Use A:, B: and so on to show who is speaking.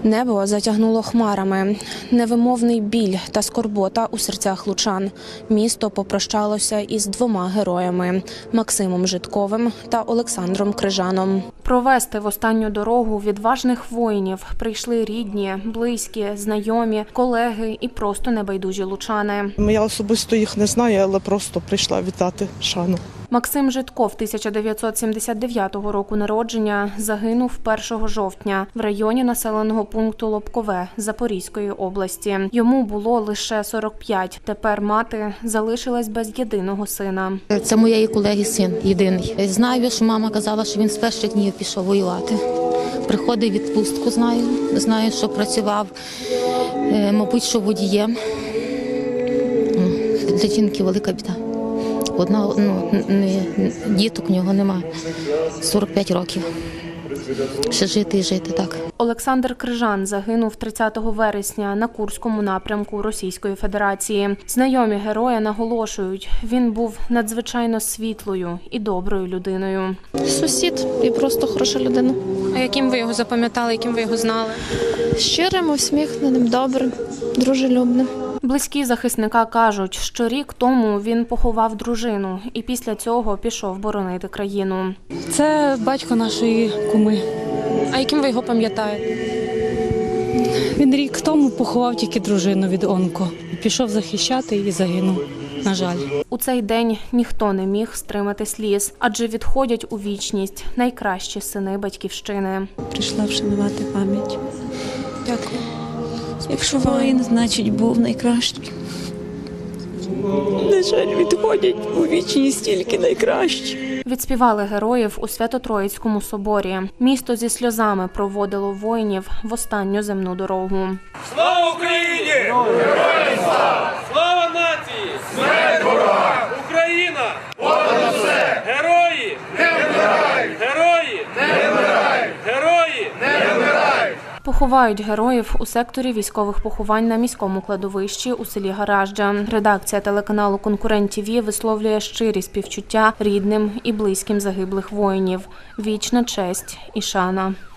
A: Небо затягнуло хмарами. Невимовний біль та скорбота у серцях лучан. Місто попрощалося із двома героями – Максимом Житковим та Олександром Крижаном. Провести в останню дорогу відважних воїнів прийшли рідні, близькі, знайомі, колеги і просто небайдужі лучани.
B: Я особисто їх не знаю, але просто прийшла вітати шану.
A: Максим Житков 1979 року народження загинув 1 жовтня в районі населеного пункту Лобкове Запорізької області. Йому було лише 45. Тепер мати залишилась без єдиного сина.
C: Це моєї колеги син єдиний. Знаю, що мама казала, що він з перших днів пішов воювати. Приходив в відпустку, знаю, що працював, мабуть, що водієм. Для жінки велика біда. Діток в нього немає. 45 років. Ще жити і жити, так.
A: Олександр Крижан загинув 30 вересня на Курському напрямку Російської Федерації. Знайомі героя наголошують, він був надзвичайно світлою і доброю людиною.
D: Сусід і просто хороша людина.
A: А яким ви його запам'ятали, яким ви його знали?
D: Щирим, усміхненим, добрим, дружелюбним.
A: Близькі захисника кажуть, що рік тому він поховав дружину і після цього пішов боронити країну.
E: Це батько нашої куми.
A: А яким ви його пам'ятаєте?
E: Він рік тому поховав тільки дружину від онко. Пішов захищати і загинув, на жаль.
A: У цей день ніхто не міг стримати сліз, адже відходять у вічність найкращі сини батьківщини.
F: Прийшла вшанувати пам'ять.
A: Дякую.
F: Якщо воїн, значить був найкращий. На жаль, відходять у вічність тільки найкращі.
A: Відспівали героїв у Свято-Троїцькому соборі. Місто зі сльозами проводило воїнів в останню земну дорогу.
G: Слава Україні! Героям слава! Слава нації! Смерть ворогам! Україна! Понад усе! Герої! Не вмирають! Герої! Не вмирають! Герої! Не вмирають!
A: Поховають героїв у секторі військових поховань на міському кладовищі у селі Гаражджа. Редакція телеканалу «Конкурент ТІВІ» висловлює щирі співчуття рідним і близьким загиблих воїнів. Вічна честь і шана.